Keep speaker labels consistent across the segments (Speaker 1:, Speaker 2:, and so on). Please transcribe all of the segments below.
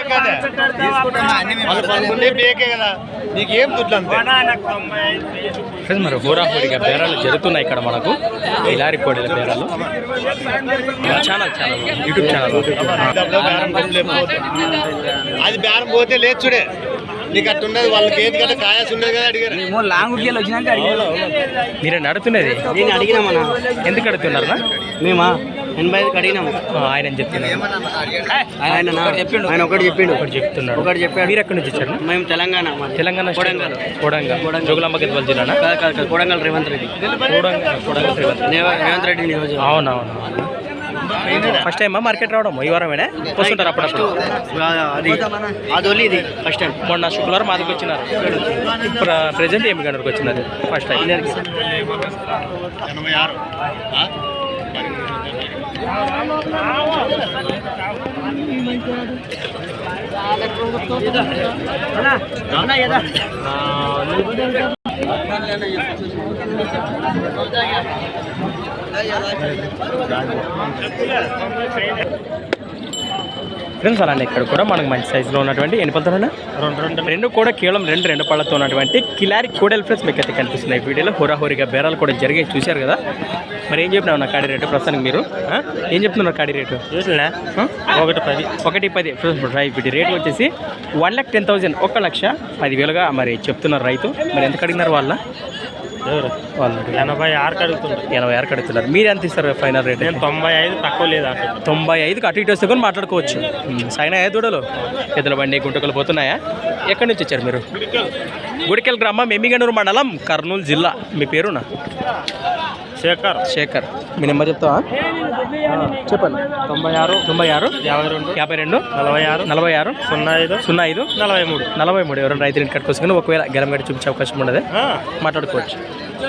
Speaker 1: మరి హోరాహోరీగా బేరాలు జరుగుతున్నాయి ఇక్కడ మనకు కిలారి కోడెల బేరాలు ఛానల్ యూట్యూబ్ ఛానల్
Speaker 2: అది బేరం పోతే లేదు చూడే నీకు అట్టు ఉన్నది వాళ్ళకి ఏది కదా కాయాల్సి ఉండదు కదా అడిగారు
Speaker 1: మీరే నడుతున్నది
Speaker 3: నేను అడిగినామన్నా
Speaker 1: ఎందుకు అడుగుతున్నారా
Speaker 3: మేమా 85 అడిగినాము
Speaker 1: ఆయన చెప్తున్నారు
Speaker 3: ఆయన ఒకటి చెప్పిండు
Speaker 1: చెప్తున్నాడు మీరు ఎక్కడి నుంచి వచ్చారు
Speaker 3: మేము తెలంగాణ
Speaker 1: కోడంగల్ జోగులాంబ గద్వాల జిల్లానా
Speaker 3: కోడంగల్ రేవంత్ రెడ్డి రేవంత్ రెడ్డి
Speaker 1: అవునవును ఫస్ట్ టైమా మార్కెట్ రావడం ఈ వారమేనా వస్తుంటారు అప్పుడప్పుడు
Speaker 3: అది ఇది ఫస్ట్ టైం
Speaker 1: మొన్న శుక్రవారం మాదికి వచ్చినారు ప్రెజెంట్ ఏమి గంటలకు వచ్చినారు ఫస్ట్ టైం ఫ్రెండ్స్ అలానే ఇక్కడ కూడా మనకు మంచి సైజులో ఉన్నటువంటి ఎన్ని పళ్ళతోనే రెండు కూడా కేవలం రెండు పళ్ళతో ఉన్నటువంటి కిలారి కోడెల ఫ్రెండ్స్ మీకు అయితే కనిపిస్తున్నాయి వీడియోలో హోరాహోరీగా బేరాలు కూడా జరిగాయి చూశారు కదా మరి ఏం చెప్పినావు నా కాడి రేటు ప్రస్తుతానికి మీరు ఏం చెప్తున్నారు కాడి రేటు 110 వీటి రేటు వచ్చేసి 1,10,000 1,10,10,000గా మరి చెప్తున్నారు రైతు మరి ఎంత అడిగినారు వాళ్ళ
Speaker 2: 86
Speaker 1: అడుగుతున్నారు మీరు ఎంత ఇస్తారు ఫైనల్ రేట్
Speaker 2: 95 తక్కువ లేదా
Speaker 1: 95కి అటు ఇటు వస్తే కూడా మాట్లాడుకోవచ్చు సైనా దూడలు ఎద్దుల బండి గుంటకలు పోతున్నాయా ఎక్కడి నుంచి వచ్చారు మీరు గుడికెల్ గ్రామం ఎమ్మిగనూరు మండలం కర్నూలు జిల్లా మీ పేరునా శేఖర్ మీ నెంబర్ చెప్తావా చెప్పండి
Speaker 2: 96
Speaker 1: 52 46 05 43 ఎవరైనా రైతు ఇంటి కట్టుకోసుకుని ఒకవేళ గెలం గడి చూపించే అవకాశం ఉండదు మాట్లాడుకోవచ్చు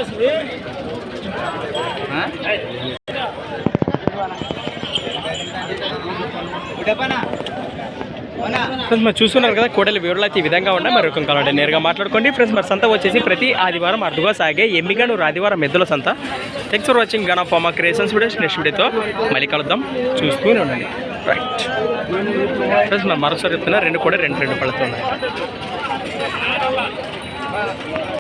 Speaker 1: ఫ్రెండ్స్ మరి చూస్తున్నారు కదా కోడలి వివరాలు అయితే ఈ విధంగా ఉన్నాయి మరి ఒక కావాలంటే నేరుగా మాట్లాడుకోండి ఫ్రెండ్స్ మరి సంత వచ్చేసి ప్రతి ఆదివారం అరుదుగా సాగే ఎమ్మిగనూరు ఆదివారం ఎద్దుల సంత thanks for watching gun of pharma creations videos next వీడియోతో మళ్ళీ కలుద్దాం చూస్తూనే ఉండండి రైట్ ఫ్రెండ్స్ మరి మరోసారి చెప్తున్నా రెండు పళ్ళతో ఉన్నాయి